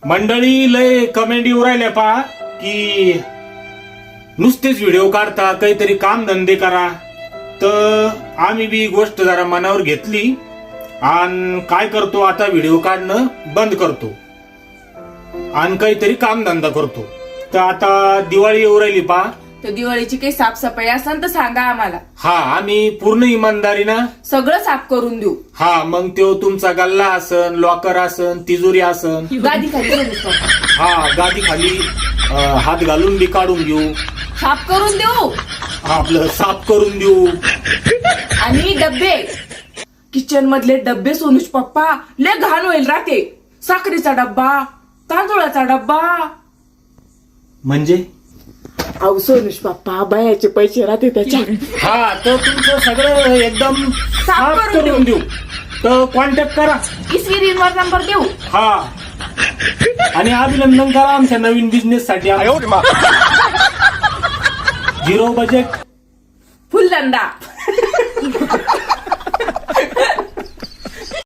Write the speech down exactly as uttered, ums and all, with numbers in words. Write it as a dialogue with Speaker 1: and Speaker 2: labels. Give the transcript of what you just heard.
Speaker 1: मंडळी लय कमेंट येऊ राहिल्या पहा की नुसतेच व्हिडिओ काढता, काहीतरी काम धंदे करा. तर आम्ही बी गोष्ट जरा मनावर घेतली आणि काय करतो आता व्हिडिओ काढणं बंद करतो आणि काहीतरी काम धंदा करतो. तर आता दिवाळी येऊ राहिली पहा.
Speaker 2: तर दिवाळीची काही साफसफाई असेल तर सांगा आम्हाला.
Speaker 1: हा, आम्ही पूर्ण इमानदारीनं
Speaker 2: सगळं साफ करून देऊ.
Speaker 1: हा, मग तो तुमचा गल्ला असन, लॉकर असन, तिजोरी असन,
Speaker 2: गादी खाली
Speaker 1: हा गादी खाली हात घालून बी काढून घेऊ,
Speaker 2: साफ करून देऊ,
Speaker 1: आपलं साफ करून देऊ.
Speaker 2: आणि डब्बे, किचन मधले डब्बे सोनूच पप्पा लय घाण होईल राहते. साखरेचा डब्बा, तांदूळाचा डब्बा.
Speaker 1: म्हणजे
Speaker 2: अहो सोनूच पप्पा बायाचे पैसे राहते त्याच्यात.
Speaker 1: हा, तर तुमचं सगळं एकदम साफ करून देऊ. तर कॉन्टॅक्ट करा,
Speaker 2: स्क्रीनवर नंबर देऊ.
Speaker 1: हा, आणि अभिनंदन करा आमच्या नवीन बिझनेस साठी. झिरो बजेट
Speaker 2: फुल धंदा.